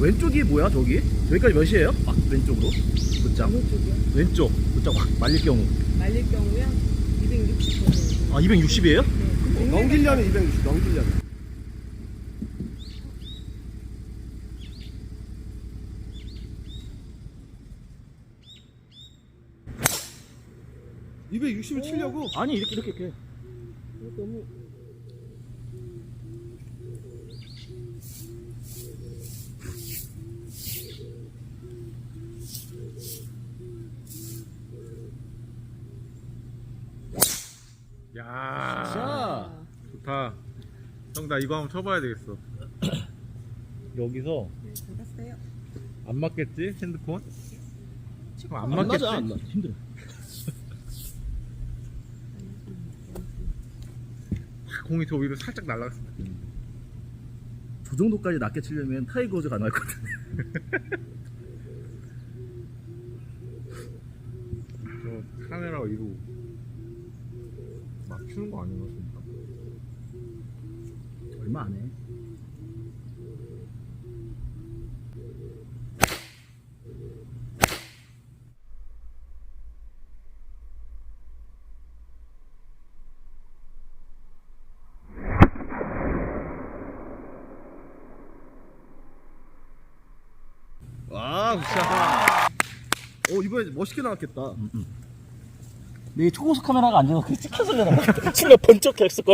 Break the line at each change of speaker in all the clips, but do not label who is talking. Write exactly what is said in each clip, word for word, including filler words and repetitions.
왼쪽이 뭐야 저기? 저기까지 몇이에요? 막 왼쪽으로 붙장.
왼쪽이요?
왼쪽 붙장 확 말릴 경우.
말릴 경우요? 이백육십 번.
아 이백육십이에요?
네.
넘기려면 이백육십 넘기려면. 이백육십을 치려고?
아니 이렇게 이렇게 이렇게.
너무
야
자
좋다. 형 나 이거 한번 쳐봐야 되겠어. 여기서
네, 잡았어요.
안 맞겠지 핸드폰? 그럼 안
안
맞겠지?
맞아 안 맞아 힘들어.
공이 저 위로 살짝 날아갔으면 좋겠는데.
저 정도까지 낮게 치려면 타이거즈 가능할 것 같은데.
저 카메라 위로 맞추는 거 아닌가 진짜?
얼마 안 해.
와, 굿샷. 오, 이번에 멋있게 나왔겠다.
내 초고속 카메라가 안 돼서 그게 찍혀서 그러나. 치면 번쩍 했을걸.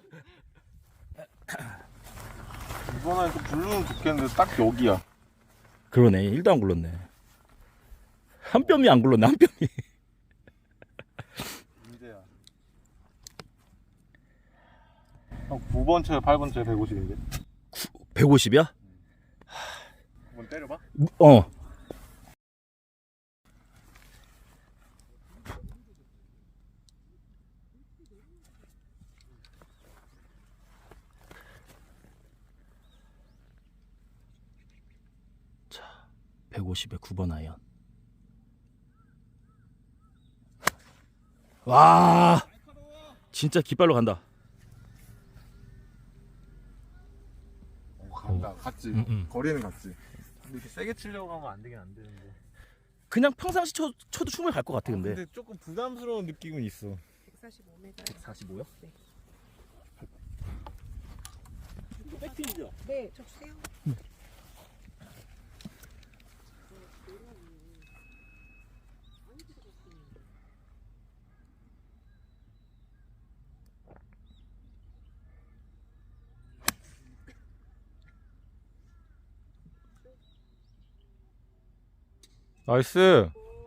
이번엔 또 블루는 좋겠는데 딱 여기야.
그러네. 일도 안 굴렀네. 한 뼘이 안 굴렀네. 한 뼘이.
문제야. 형 구 번 쳐요, 팔 번 쳐요, 백오십인데.
백오십이야?
한번 때려봐.
어. 자, 백오십에 구 번 아이언. 와, 진짜 깃발로 간다.
어, 간다. 갔지.
음, 음.
거리는 갔지. 근데 이렇게 세게 치려고 하면 안 되긴 안 되는데.
그냥 평상시 쳐, 쳐도 충분히 갈 것 같아 근데.
근데 조금 부담스러운 느낌은 있어.
백사십오 미터.
백사십오요?
네.
백핀이죠?
네, 저 주세요.
나이스.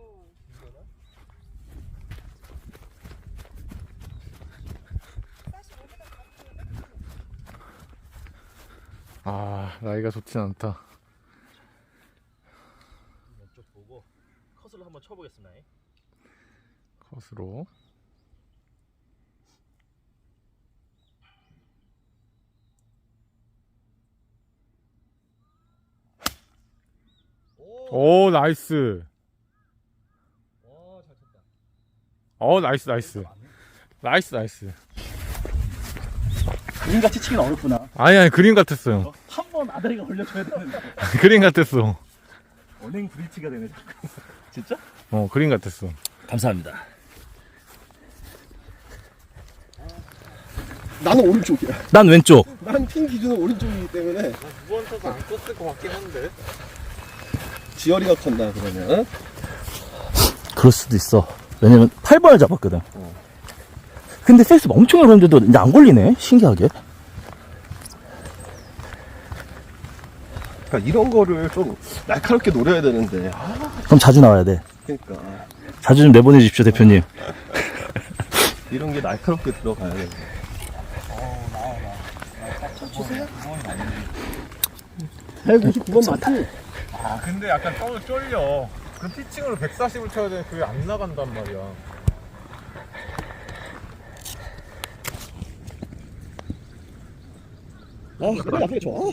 아, 나이가 좋진 않다.
왼쪽 보고 컷을 한번 쳐보겠습니다.
컷으로. 오, 나이스.
와, 잘 쳤다.
어, 나이스, 나이스. 나이스, 나이스.
그림같이 치긴 어렵구나.
아니, 아니, 그림 같았어요.
한 번 아다리가 걸려줘야 되는데.
그림 같았어.
언행 브릿지가 되네 자꾸. 진짜?
어, 그림 같았어.
감사합니다.
나는 오른쪽이야.
난 왼쪽.
난 핀 기준은 오른쪽이기 때문에
두 번 쳐도 안 컸을 것 같긴 한데.
지열이가 컸나 그러면?
그럴 수도 있어. 왜냐면 팔 번을 잡았거든. 근데 페이스 엄청 어려운데도 이제 안 걸리네. 신기하게.
그러니까 이런 거를 좀 날카롭게 노려야 되는데. 아,
그럼 자주 나와야 돼.
그러니까
자주 좀 내보내주십시오 대표님.
이런 게 날카롭게 들어가야 돼. 백오십구 번 맞지?
아, 근데 약간 땀을 쫄려. 그 피칭으로 백사십을 쳐야 되는데 그게 안 나간단 말이야.
아, 그래 앞에 좋아.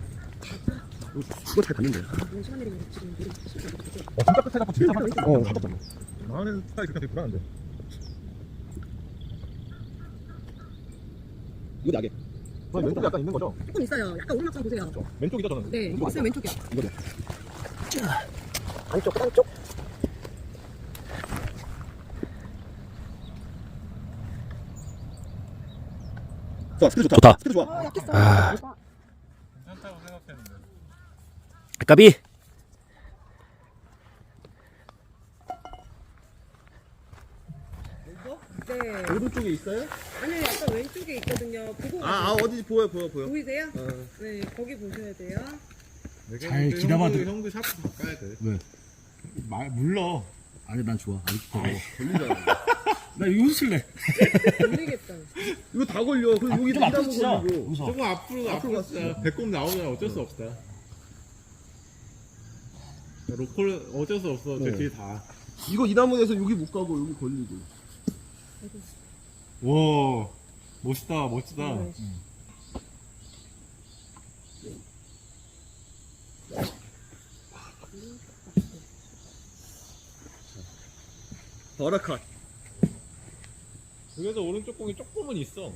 그거 잘 갔는데.
시간 내리면 지금 우리
어, 진짜 끝에 잡고 진짜 맞았어.
어, 잡았다.
나는 스타일이 그렇게 되게 불안한데.
이거 나게. 저 왼쪽에 약간 있는 거죠?
조금 있어요. 약간 오르막상 보세요.
왼쪽이죠 저는.
네,
왼쪽
있으면 왼쪽이요.
이거죠. 안쪽 안쪽. 좋아 스피드 좋다.
좋다.
스피드 좋아.
아, 약했어.
아.
괜찮다고 생각했는데.
까비.
네.
오른쪽에 있어요?
아니요, 약간 왼쪽에 있거든요. 보고
아, 아 어디 보여 보여 보여.
보이세요?
어.
네, 거기 보셔야 돼요.
잘 기다봐도-
형도, 형도 샤프 바꿔야 돼.
왜?
말 물러.
아니 난 좋아. 아직 더.
걸리잖아.
나 여기서 칠래.
모르겠다.
이거 다 걸려. 그리고 여기
좀 앞으로
이다고
치자.
걸리고.
여기서.
조금 앞으로 앞으로
갔어.
갔다. 배꼽 나오면 어쩔 수 없다. 로컬 어쩔 수 없어. 저
네.
뒤에 다.
이거 이 나무에서 여기 못 가고 여기 걸리고.
와 멋있다 멋지다.
네.
버라컷.
그래서 오른쪽 공이 조금은 있어.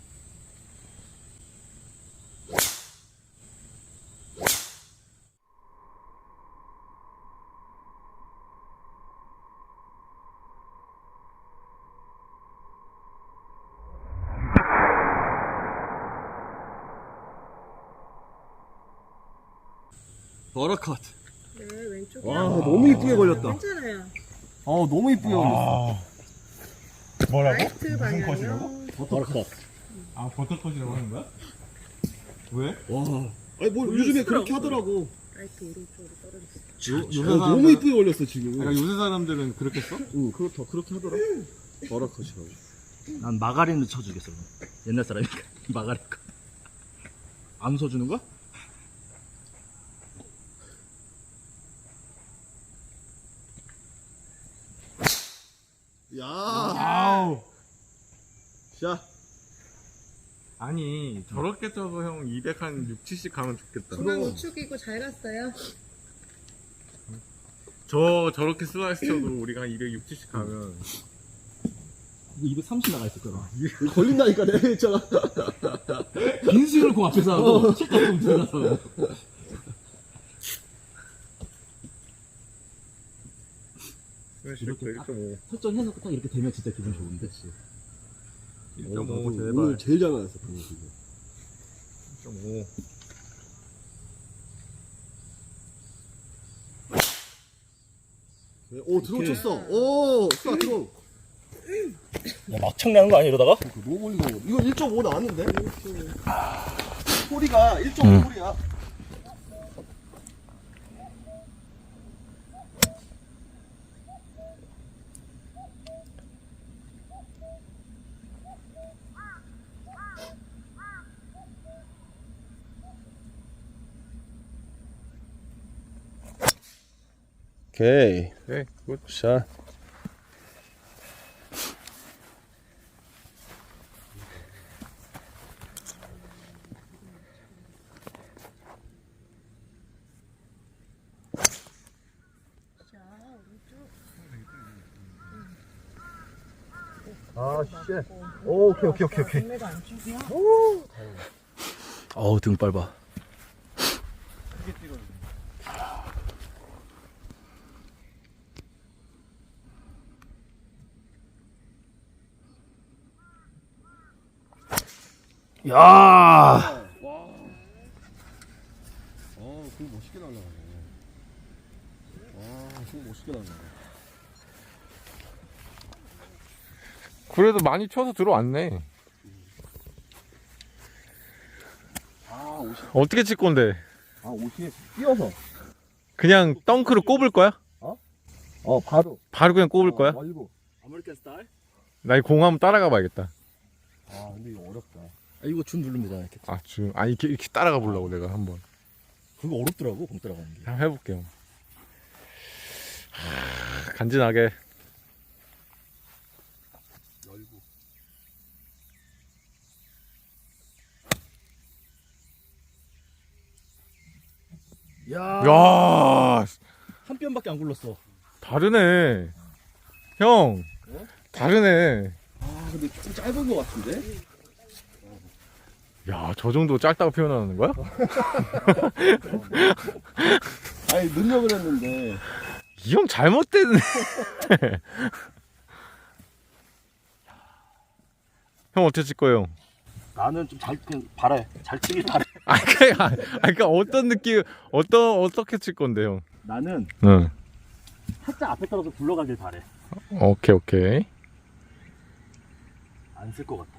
버라컷.
네, 왼쪽이요.
와 너무 이쁘게 걸렸다.
괜찮아요.
어 너무 이쁘게 걸렸어.
뭐라고?
라이트 방향이요.
버라컷.
아 버터컷이라고 하는 거야? 왜?
와. 아니 뭐 요즘에 그렇게 하더라고.
라이트 오른쪽으로 떨어졌어요.
요, 어, 너무 이쁘게 걸렸어 지금.
그러니까 요새 사람들은 그렇게 써?
응 그렇다 그렇게 하더라. 버라컷이라고.
난 마가린을 쳐주겠어. 그럼. 옛날 사람이니까 마가린 거. 안 써주는 거야?
야.
아우.
자.
아니 저렇게 쳐서 형 이백 한 육, 칠십 가면 좋겠다.
중앙 우측이고 잘 갔어요.
저 저렇게 슬라이스 쳐도 우리가 한 이백, 육, 칠십 가면
이거 이백삼십 나가 있을 거야.
이거 걸린다니까 내가 했잖아.
빈스윙을 그 앞에서 하고 칠각공 들어가서.
이렇게 일 점 오.
설정해서 딱 이렇게 되면 진짜 기분 좋은데.
일 점 오
나도
제발.
오늘 제일 잘 나왔어 방금 지금.
일 점 오.
네, 오 드론 쳤어. 오 스타 드론.
야, 막창 나는 거 아니야 이러다가?
너무 멀리 가. 이거 일 점 오 나왔는데? 소리가 일 점 오
응.
소리야. 오케이.
네, 굿.
샷. 아, 쉣. 오, 오케이, 오케이, 오케이, 오케이.
동네가 안쪽이요?
어우 등 밟아. 야.
와. 어, 그거 멋있게 날라가네. 와, 그거 멋있게 날라가.
그래도 많이 쳐서 들어왔네.
아, 옷이,
어떻게 칠 건데?
아, 옷이 뛰어서.
그냥 덩크로 꼽을 거야?
어, 바로.
바로 그냥 꼽을 거야?
말고.
아메리칸 스타일?
나 이 공 한번 따라가 봐야겠다.
아, 근데 이거 어렵다.
아 이거 줌 누르면 되잖아 이렇게.
아, 지금 아 이렇게 이렇게 따라가 보려고 내가 한번.
그거 어렵더라고 공 따라가는 게.
한번 해볼게요. 하, 간지나게.
열고.
야.
야,
한 뼘밖에 안 굴렀어.
다르네. 형, 다르네.
아, 근데 조금 짧은 것 같은데?
야, 저 정도 짧다고 표현하는 거야?
아니 늘려고 했는데
이 형 잘못됐네. 형 어떻게 칠 거예요?
나는 좀 잘 바래. 잘 치길 바래.
아, 그러니까, 아, 그러니까 어떤 느낌, 어떤 어떻게 칠 건데 형?
나는
응.
살짝 앞에 떨어서 굴러가길 바래.
오케이 오케이.
안 쓸 것 같아.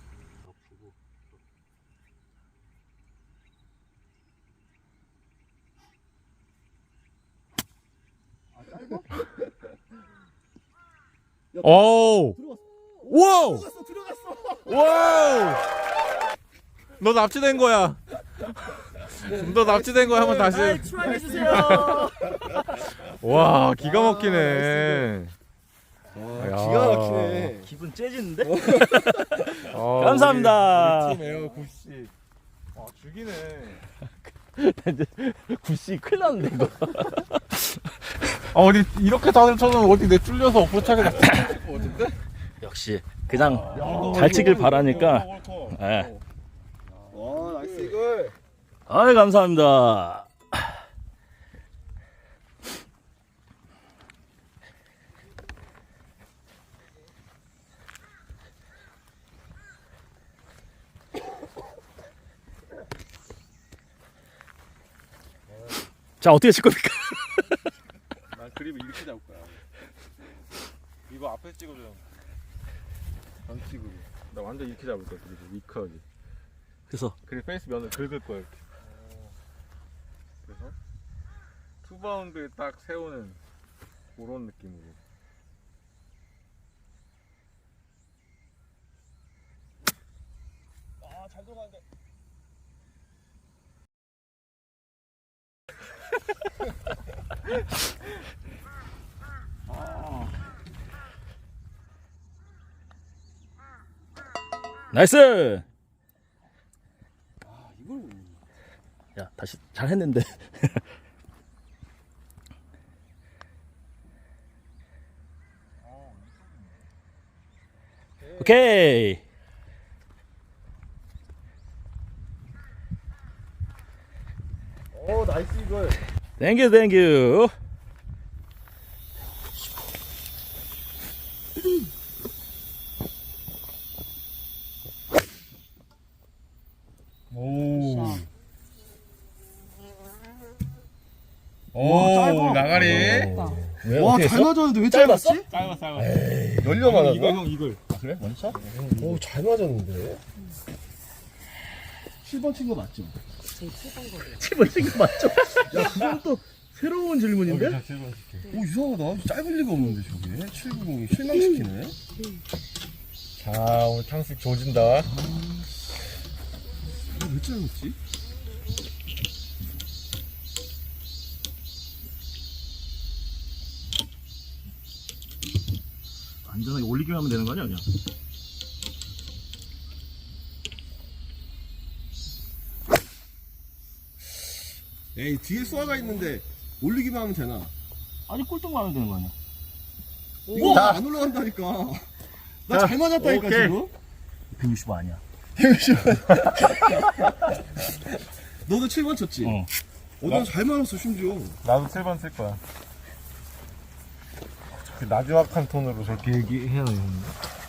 오. 와우.
들어갔어 들어갔어.
와우. 너 납치된 거야. 너 납치된 거야. 한번 다시.
추하해주세요.
와, 기가 막히네.
아,
야.
기가 막히네.
기분 째지는데?
아,
감사합니다.
우리, 우리 팀 에어 굿씨. 아, 죽이네.
굿씨 큰일 났는데 이거.
아, 어디 이렇게 다들 쳐놓으면 어디 내 뚫려서 어프로차게 다 칠것 같은데?
역시 그냥 잘 치길 바라니까. 예.
와 나이스 이걸.
아이 감사합니다. 자 어떻게 칠 겁니까?
난 그립을 이렇게 잡을 거야. 이거 앞에 찍어줘. 안 찍고. 나 완전 이렇게 잡을 거야. 그리고 위크하게.
그래서
그리고 페이스 면을 긁을 거야 이렇게. 그래서 투 바운드에 딱 세우는 그런 느낌으로.
아잘 들어가는데.
나이스.
아 이걸.
야 다시 잘 했는데. 오케이.
어 나이스 이걸.
땡큐 땡큐.
오.
오, 짧아.
나가리.
왜
와
어떻게
잘
했어?
맞았는데 왜
짧았어?
짧았지?
짧아 짧아.
열려 맞았나?
이거 형 이걸.
아, 그래? 원샷?
오잘 맞았는데. 칠 번 친 거 맞죠?
칠 번 친거 맞죠? 야 그건 또 새로운 질문인데?
오 이상하다. 짧을 리가 없는데 저게. 칠구공이 실망시키네.
자, 오늘 탕수육 조진다.
이거 왜 짧았지?
안전하게 올리기만 하면 되는 거 아니야 그냥?
에이 뒤에 쏘아가 있는데 올리기만 하면 되나?
아니 꼴등만 하면 되는 거 아니야?
이거 안 올라간다니까. 나 잘 맞았다니까
오케이.
지금.
백육십오 아니야.
너도 칠 번 쳤지?
어.
어, 난 잘 맞았어 심지어.
나도 칠 번 쓸 거야. 저렇게 나지막한 톤으로 저렇게 얘기해야 되는데.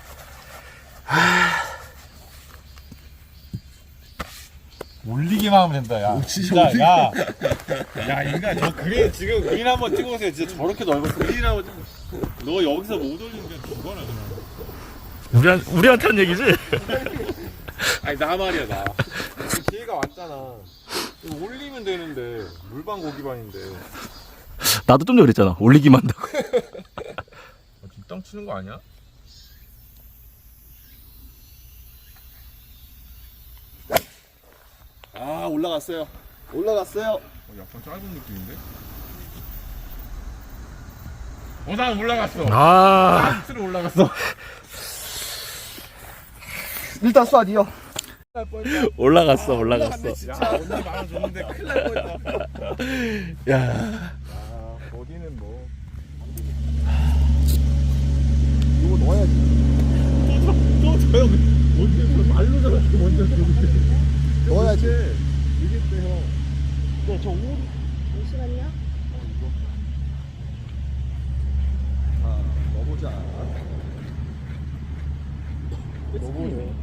올리기만 하면 된다, 야.
오, 진짜
진짜, 야. 야, 인간, 저 그린, 지금 그린 한번 찍어보세요. 진짜 저렇게 넓어서 그린 한번 찍어. 너 여기서 못 올리면 그냥 죽어라, 그냥.
우리한 우리한테 한 얘기지?
아니, 나 말이야, 나. 기회가 왔잖아. 이거 올리면 되는데, 물반 고기반인데.
나도 좀 전에 그랬잖아. 올리기만 한다고.
뒷땅 치는 거 아니야?
아 올라갔어요. 올라갔어요.
어, 약간 짧은 느낌인데? 어, 난 올라갔어.
아.
난 밑으로 올라갔어.
일단 쏴 니어.
올라갔어 올라갔어.
야, 언니 마음 줬는데 큰일 날 뻔했다.
야.
아, 거기는 뭐.
이거 넣어야지.
또 저 형, 언제 말로 저렇게 먼저 줬는데.
넣어야지. 이길 때 형.
네, 저 오.
잠시만요.
자, 넣어보자.
너무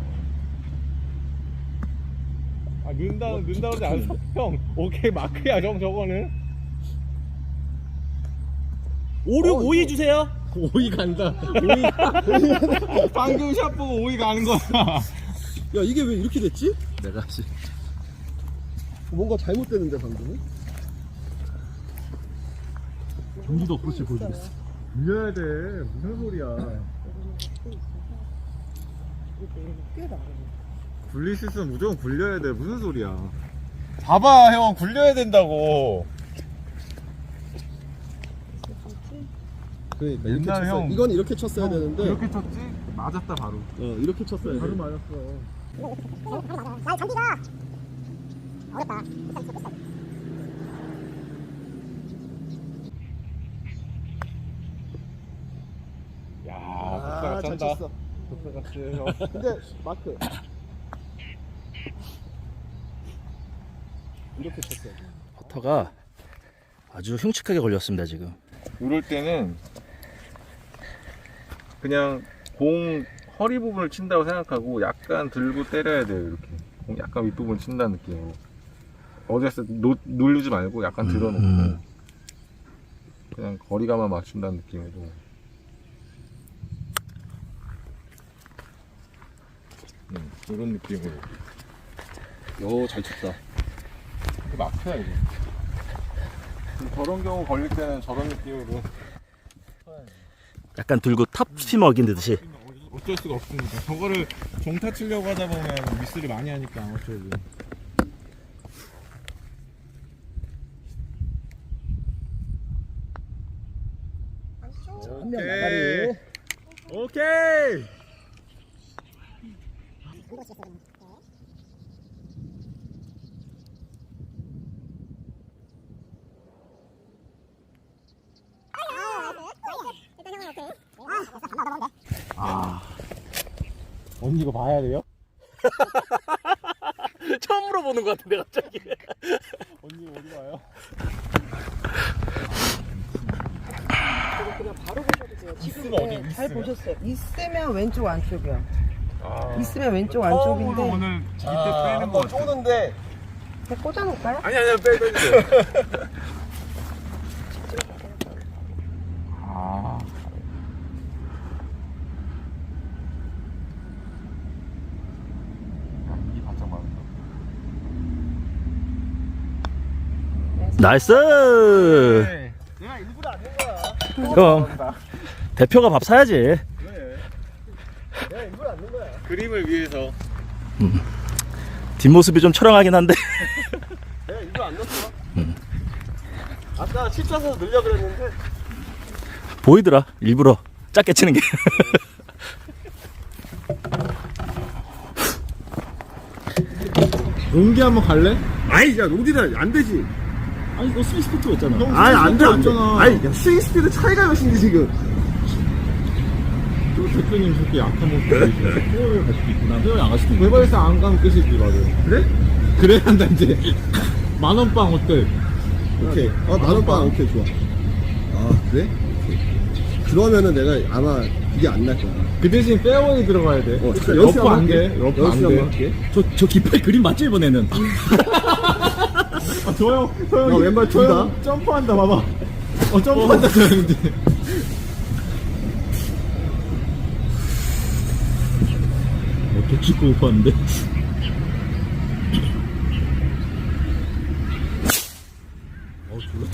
아 는다 는다 그러지 않았어? 형 오케이 마크야 형 저거는
오륙 오이 주세요.
오이 간다 오이 방금 샷 보고 오이 가는 거야.
야, 이게 왜 이렇게 됐지?
내가 씨.
뭔가 잘못됐는데, 방금은?
경기도 그렇지 보여주고 있어.
밀려야 돼 무슨 소리야.
꽤 나가네.
굴릴 수 있으면 무조건 굴려야 돼 무슨 소리야. 봐봐 형 굴려야 된다고.
그러니까 이렇게
옛날
쳤어야
형-
이건 이렇게 쳤어야 되는데
이렇게 쳤지? 맞았다 바로.
어, 이렇게 쳤어야 돼.
바로 맞았어. 야
아,
독사가
잘
짠다.
쳤어.
독사가 쎄 형.
근데 마크 이렇게 쳤어야 돼.
퍼터가 아주 흉측하게 걸렸습니다 지금.
이럴 때는 그냥 공 허리 부분을 친다고 생각하고 약간 들고 때려야 돼요. 이렇게 공 약간 윗부분 친다는 느낌으로. 어디서 누르지 말고 약간 들어놓고
음.
그냥 거리감만 맞춘다는 느낌으로. 음, 이런 느낌으로.
오, 잘 쳤다.
이게 막혀야 이게. 저런 경우 걸릴 때는 저런 느낌으로.
약간 들고 탑스피 먹인 듯이.
어쩔 수가 없습니다. 저거를 종타 치려고 하다 보면 미스를 많이 하니까 어쩌고.
한 명 나가리.
오케이.
아.
언니 이거 봐야 돼요?
처음으로 보는 것 같은데 갑자기.
언니 어디 봐요?
그냥 바로 보셔도 돼요. 지금
있으면 어디
네, 잘
있으면?
보셨어요. 있으면 왼쪽 안쪽이요.
아,
있으면 왼쪽
처음으로
안쪽인데.
오늘 밑에
아,
빼는 거
한번
같아.
쪼는데
그냥 꽂아놓을까요?
아니 아니야 빼 빼주세요. 아. 이 바짝 맞는다.
나이스.
내가 일부러 안 낸 거야.
그럼 대표가 밥 사야지.
그래.
내가 일부러 안 낸 거야.
그림을 위해서.
뒷모습이 좀 초롱하긴 한데.
내가 일부러 안 넣었어. 아까 칠자서 늘려 그랬는데
보이더라. 일부러 작게 치는 게.
용기 한번 갈래?
아이, 야, 로디를 안 되지.
아니 너 스윙 스피드 있잖아.
아니, 안 돼, 안 돼.
없잖아.
아니, 야, 스윙 스피드 차이가 몇인데, 지금.
또 대표님 그렇게 약한 모습 보이시네.
회원을 갈 수도 있구나. 회원이 안 갈 수도 있고.
외발에서 안 가면 끝이지 맞아.
그래?
그래야 한다 이제. 만원빵 어때?
오케이. 어, 만원빵, 오케이, 좋아. 아, 그래? 오케이. 그러면은 내가 아마 이게 안 날 거야.
그 대신 페어웨이 들어가야 돼.
어, 진짜
러프
연습 한번
안 돼.
할게.
러프
연습
안
한번
돼.
할게.
저, 저 깃발 그림 맞지 이번에는?
아, 저 형, 저 형,
야, 왼발
저
둘다.
형 점프한다, 봐봐. 어, 점프한다, 저 형인데.
어떻게 찍고 못 봤는데?
어, 졸라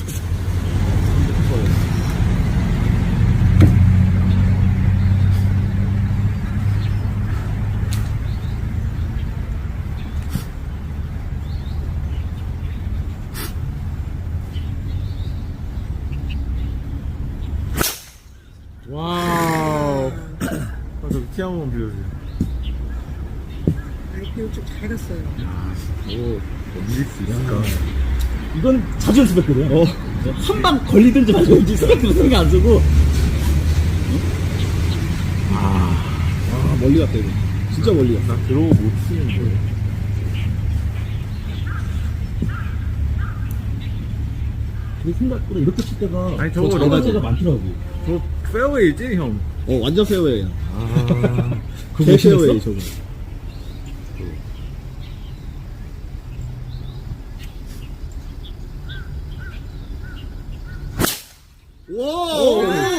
와우. 아, 저기 티 한 번만 빌려주세요.
아이고, 좀잘 갔어요.
오, 밀릴 수 있을까?
이건 자주 연습했거든. 어. 한 방 걸리든지 말든지 생각도 생각 안 쓰고.
아, 멀리 갔다, 이거. 진짜 멀리 갔다.
나 들어오고 못 치는데.
내 생각보다 이렇게 칠 때가
아니,
더
저거
잘 갈
이거지.
때가 많더라고.
저 페어웨이지 형.
어 완전 페어웨이야.
아, 그거
개 페어웨이
무시했어?
저거. 와.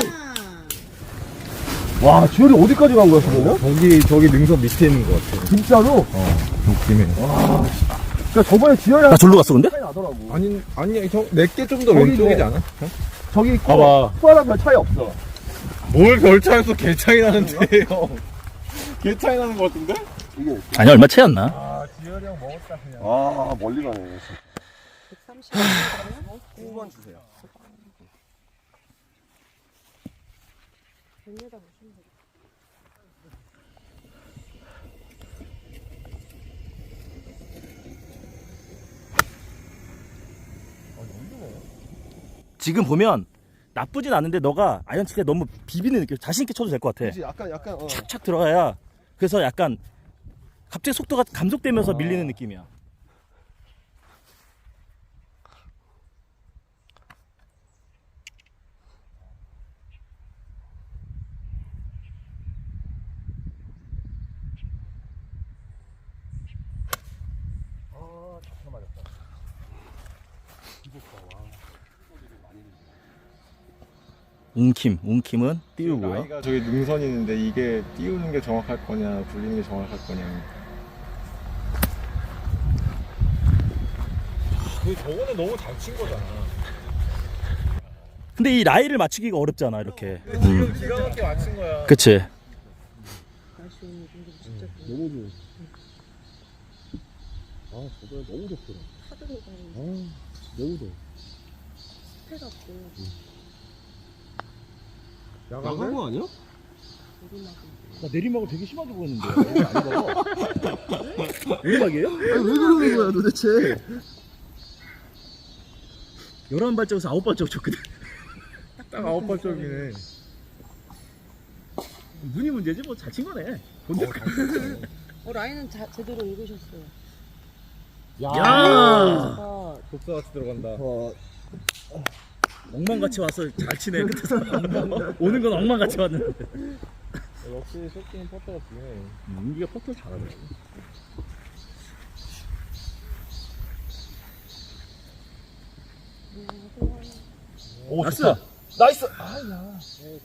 와 지열이 어디까지 간 거야 그러면?
저기 저기 능선 밑에 있는 것 같아.
진짜로?
느낌에.
그러니까 저번에 지열이
나 절로 갔어, 근데?
차이 나더라고.
아니 아니 형 내게 좀 더
거기
왼쪽이지
네.
않아?
저기 있고
봐봐.
후아랑 별 차이 없어.
뭘 별차에서 개 차이 나는데 형. 개 차이 나는 것 같은데?
이게
아니, 얼마 차이 안 나.
아 지열이 형 먹었다 그냥.
아 멀리 가네.
백삼십
구 번 주세요.
백 미터 보시면 돼요.
지금 보면 나쁘진 않은데 너가 아이언 칠 때 너무 비비는 느낌, 자신있게 쳐도 될 것 같아.
그치 약간 약간 어.
착착 들어가야. 그래서 약간 갑자기 속도가 감속되면서
아.
밀리는 느낌이야. 웅킴, 웅킴은 띄우고요.
나이가 저기 능선이 있는데 이게 띄우는 게 정확할 거냐 굴리는 게 정확할 거냐. 그 저거는 너무 잘 친 거잖아.
근데 이 라이를 맞추기가 어렵잖아, 이렇게.
지금 기가 막히게 맞춘 거야.
그치?
날씨 오늘 근데 진짜 좋아.
너무 좋아. 아 저번에 너무 좋더라.
파도로 가는
아 너무 좋아.
습해갖고
나간 거 아니야?
내리막은
나 내리막을 되게 심하게 보였는데. 내리막이에요?
아니 왜 그러는 거야 도대체?
열한 발짝에서 아홉 발짝 쳤거든.
딱 아홉 발짝이네.
눈이 문제지, 뭐 잘 친 거네. 본대.
어 라인은 자, 제대로 읽으셨어요.
야!
아,
독사같이 들어간다.
어,
엉망같이 와서 잘 치네, 끝에서. 오는 건 엉망같이 왔는데.
역시 쇼킹 퍼터가 중요해.
윤기가 퍼터 잘하네. 오, 나이스! 나이스! 아야.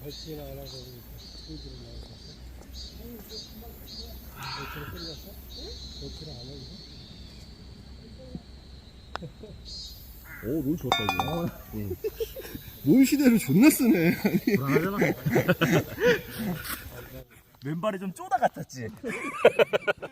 오, 롤 좋았다, 이거. 응. 롤 시대를 존나 쓰네.
불안하잖아. 왼발이 좀 쪼다 같았지.